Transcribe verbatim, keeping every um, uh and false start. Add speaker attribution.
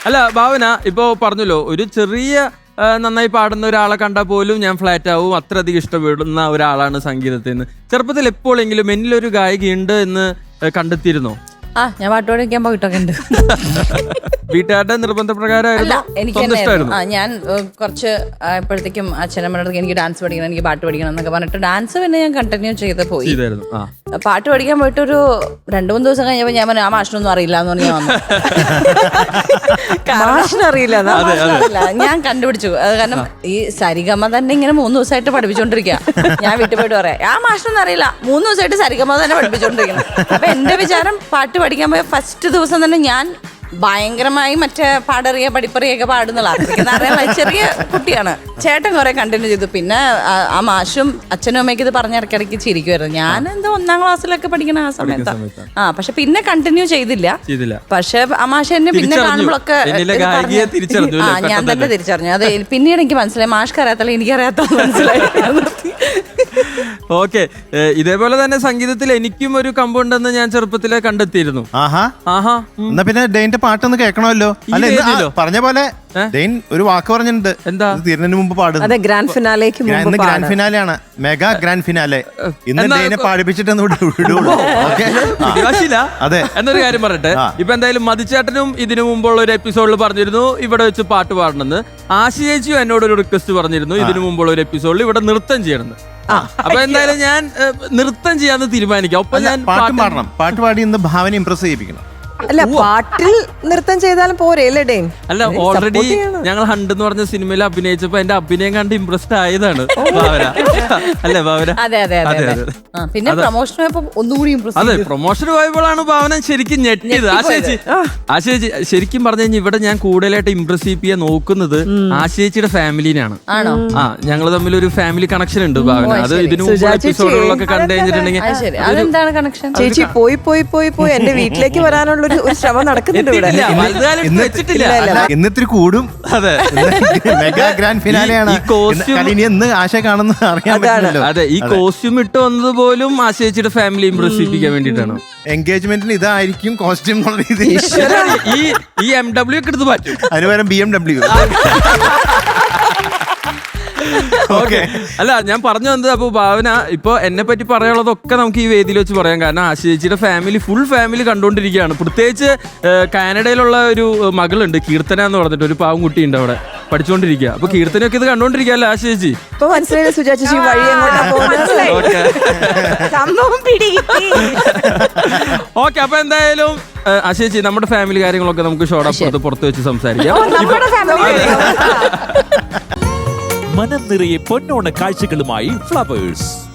Speaker 1: അല്ല ഭാവന ഇപ്പോ പറഞ്ഞല്ലോ ഒരു ചെറിയ നന്നായി പാടുന്ന ഒരാളെ കണ്ടാൽ പോലും ഞാൻ ഫ്ലാറ്റ് ആവും, അത്രയധികം ഇഷ്ടപ്പെടുന്ന ഒരാളാണ് സംഗീതത്തിൽ നിന്ന്. ചെറുപ്പത്തിൽ എപ്പോഴെങ്കിലും എന്നിലൊരു ഗായികയുണ്ട് എന്ന് കണ്ടെത്തിയിരുന്നോ?
Speaker 2: ആ ഞാൻ പാട്ട് പഠിക്കാൻ പോയിട്ടൊക്കെ ഉണ്ട്.
Speaker 1: വീട്ടുകാരുടെ നിർബന്ധപ്രകാരമായിരുന്നു?
Speaker 2: ആ ഞാൻ കുറച്ച് എപ്പോഴത്തേക്കും അച്ഛനമ്മയുടെ എനിക്ക് ഡാൻസ് പഠിക്കണം, എനിക്ക് പാട്ട് പഠിക്കണം എന്നൊക്കെ പറഞ്ഞിട്ട് ഡാൻസ് പിന്നെ ഞാൻ കണ്ടിന്യൂ ചെയ്ത് പോയി. പാട്ട് പഠിക്കാൻ പോയിട്ട് ഒരു രണ്ടു മൂന്ന് ദിവസം കഴിഞ്ഞപ്പോൾ ഞാൻ പറഞ്ഞു ആ മാഷിനൊന്നും അറിയില്ല എന്ന് പറഞ്ഞ് ഞാൻ വന്നു.
Speaker 3: മാഷിനറിയില്ല
Speaker 2: ഞാൻ കണ്ടുപിടിച്ചു. അത് കാരണം ഈ സരിഗമ തന്നെ ഇങ്ങനെ മൂന്ന് ദിവസമായിട്ട് പഠിപ്പിച്ചോണ്ടിരിക്കുക. ഞാൻ വീട്ടിൽ പോയിട്ട് പറയാം ആ മാഷിനൊന്നും അറിയില്ല, മൂന്ന് ദിവസമായിട്ട് സരിഗമ തന്നെ പഠിപ്പിച്ചോണ്ടിരിക്കണം. അപ്പൊ എന്റെ വിചാരം പാട്ട് പഠിക്കാൻ പോയ ഫസ്റ്റ് ദിവസം തന്നെ ഞാൻ ഭയങ്കരമായി മറ്റേ പാടറിയ പഠിപ്പറിയൊക്കെ പാടുന്നുള്ള അറിയാൻ ചെറിയ കുട്ടിയാണ്. ചേട്ടൻ കുറെ കണ്ടിന്യൂ ചെയ്തു. പിന്നെ ആ മാഷും അച്ഛനും അമ്മയ്ക്ക് ഇത് പറഞ്ഞ ഇടയ്ക്കിടയ്ക്ക് ചിരിക്കുമായിരുന്നു. ഞാൻ എന്താ ഒന്നാം ക്ലാസ്സിലൊക്കെ പഠിക്കണ ആ സമയത്ത്. ആ പക്ഷെ പിന്നെ കണ്ടിന്യൂ ചെയ്തില്ല. പക്ഷെ ആ മാഷ് എന്നെ പിന്നെ കാണുമ്പോഴൊക്കെ ആ ഞാൻ തന്നെ തിരിച്ചറിഞ്ഞു. അത് പിന്നീട് എനിക്ക് മനസ്സിലായി മാഷ്ക്ക് അറിയാത്തല്ല എനിക്കറിയാത്ത മനസ്സിലായി.
Speaker 1: ഓക്കെ, ഇതേപോലെ തന്നെ സംഗീതത്തിൽ എനിക്കും ഒരു കമ്പുണ്ടെന്ന് ഞാൻ ചെറുപ്പത്തിലെ കണ്ടെത്തിയിരുന്നു.
Speaker 4: ആഹാ ആഹാ എന്നാ പിന്നെ ഡെയിന്റെ പാട്ടൊന്ന് കേൾക്കണമല്ലോ. അല്ല പറഞ്ഞ പോലെ ഡെയിൻ ഒരു വാക്ക് പറഞ്ഞിട്ടുണ്ട്. എന്താ? തീരുന്നതിന് മുമ്പ് പാടുന്നത്
Speaker 3: ഗ്രാൻഡ് ഫിനാലേക്ക്
Speaker 4: ഇന്ന് ഗ്രാൻഡ് ഫിനാലെ ആണ്, മെഗാ ഗ്രാൻഡ് ഫിനാലെ. ഇന്ന് ഡെയിനെ പാടിപ്പിച്ചിട്ടൊന്ന് വിടുള്ളൂ.
Speaker 1: അതെ. എന്നൊരു കാര്യം പറയട്ടെ, ഇപ്പൊ എന്തായാലും മതിച്ചേട്ടനും ഇതിനു മുമ്പുള്ള ഒരു എപ്പിസോഡിൽ പറഞ്ഞിരുന്നു ഇവിടെ വെച്ച് പാട്ട് പാടണമെന്ന്. ആശി ചേച്ചിയും എന്നോട് ഒരു റിക്വസ്റ്റ് പറഞ്ഞിരുന്നു ഇതിനു മുമ്പുള്ള ഒരു എപ്പിസോഡിൽ ഇവിടെ നൃത്തം ചെയ്യണമെന്ന്. അപ്പൊ എന്തായാലും ഞാൻ നൃത്തം ചെയ്യാന്ന് തീരുമാനിക്കാം. ഒപ്പം ഞാൻ
Speaker 4: പാട്ട് പാടണം. പാട്ട് പാടി ഇന്ന് ഭാവന ഇംപ്രസ് ചെയ്യിപ്പിക്കണം.
Speaker 3: അല്ല പാട്ടിൽ നൃത്തം ചെയ്താലും പോരെ അല്ലേ ഡെയിൻ?
Speaker 1: അല്ല ഓൾറെഡി ഞങ്ങൾ ഹണ്ട് എന്ന് പറഞ്ഞ സിനിമയിൽ അഭിനയിച്ചപ്പോ എന്റെ അഭിനയം കണ്ട് ഇംപ്രസ്ഡ് ആയതാണ് ഭാവന. അല്ലേ ഭാവന?
Speaker 2: അതെ അതെ പിന്നെ പ്രൊമോഷൻ ഒന്നുകൂടി
Speaker 1: അതെ പ്രൊമോഷൻ പോയപ്പോഴാണ് ഭാവന ശരിക്കും ഞെട്ടിയത്. ആശേച്ചി ആശേച്ചി ശരിക്കും പറഞ്ഞു കഴിഞ്ഞാൽ ഇവിടെ ഞാൻ കൂടുതലായിട്ട് ഇംപ്രസ് ചെയ്യാൻ നോക്കുന്നത് ആശേച്ചിയുടെ ഫാമിലിനാണ്. ആ ഞങ്ങൾ തമ്മിൽ ഒരു ഫാമിലി കണക്ഷൻ ഉണ്ട് ഭാവന. അത് ഇതിനു മുമ്പ് എപ്പിസോഡുകളിലൊക്കെ കണ്ടു കഴിഞ്ഞിട്ടുണ്ടെങ്കിൽ
Speaker 2: അതെന്താണ് കണക്ഷൻ?
Speaker 3: ചേച്ചി പോയി പോയി പോയി പോയി എന്റെ വീട്ടിലേക്ക് വരാനുള്ള ഒരു ശ്രമം നടക്കുന്നുണ്ട് ഇവിടെ.
Speaker 4: ഇന്നിത്തിരി കൂടും. മെഗാ ഗ്രാൻഡ് ഫിനാലെയാണ്. എന്ന് ആശ കാണുന്ന അറിയാൻ പറ്റില്ലല്ലോ.
Speaker 1: അതെ ഈ കോസ്റ്റ്യൂം ഇട്ട് വന്നത് പോലും ആശേച്ചിയുടെ ഫാമിലി ഇംപ്രസ് ചെയ്യിപ്പിക്കാൻ വേണ്ടിയിട്ടാണ്.
Speaker 4: എൻഗേജ്മെന്റിന് ഇതായിരിക്കും കോസ്റ്റ്യൂം എന്നുള്ള രീതിയിൽ
Speaker 1: ഈ എം ഡബ്ല്യു ഒക്കെ എടുത്ത് മാറ്റും.
Speaker 4: അതിന് പകരം ബി എം ഡബ്ല്യു.
Speaker 1: ഓക്കെ, അല്ല ഞാൻ പറഞ്ഞു വന്നത് അപ്പൊ ഭാവന ഇപ്പൊ എന്നെ പറ്റി പറയാനുള്ളതൊക്കെ നമുക്ക് ഈ വേദിയിൽ വെച്ച് പറയാം. കാരണം ആശേച്ചിയുടെ ഫാമിലി ഫുൾ ഫാമിലി കണ്ടുകൊണ്ടിരിക്കുകയാണ്. പ്രത്യേകിച്ച് കാനഡയിലുള്ള ഒരു മകളുണ്ട് കീർത്തന എന്ന് പറഞ്ഞിട്ട്, ഒരു പാവം കുട്ടിയുണ്ട് അവിടെ പഠിച്ചുകൊണ്ടിരിക്കുക. അപ്പൊ കീർത്തനയൊക്കെ ഇത് കണ്ടോണ്ടിരിക്കല്ലേ ആശേച്ചി?
Speaker 3: ഇപ്പൊ മനസ്സിലായില്ല സുജാ ചേച്ചി വഴി
Speaker 1: ഓക്കെ. അപ്പൊ എന്തായാലും ആശേച്ചി നമ്മുടെ ഫാമിലി കാര്യങ്ങളൊക്കെ നമുക്ക് ഷോർട്ട് പുറത്ത് വെച്ച് സംസാരിക്കാം.
Speaker 5: മനം നിറയെ പൊന്നോണ കാഴ്ചകളുമായി ഫ്ലവേഴ്സ്.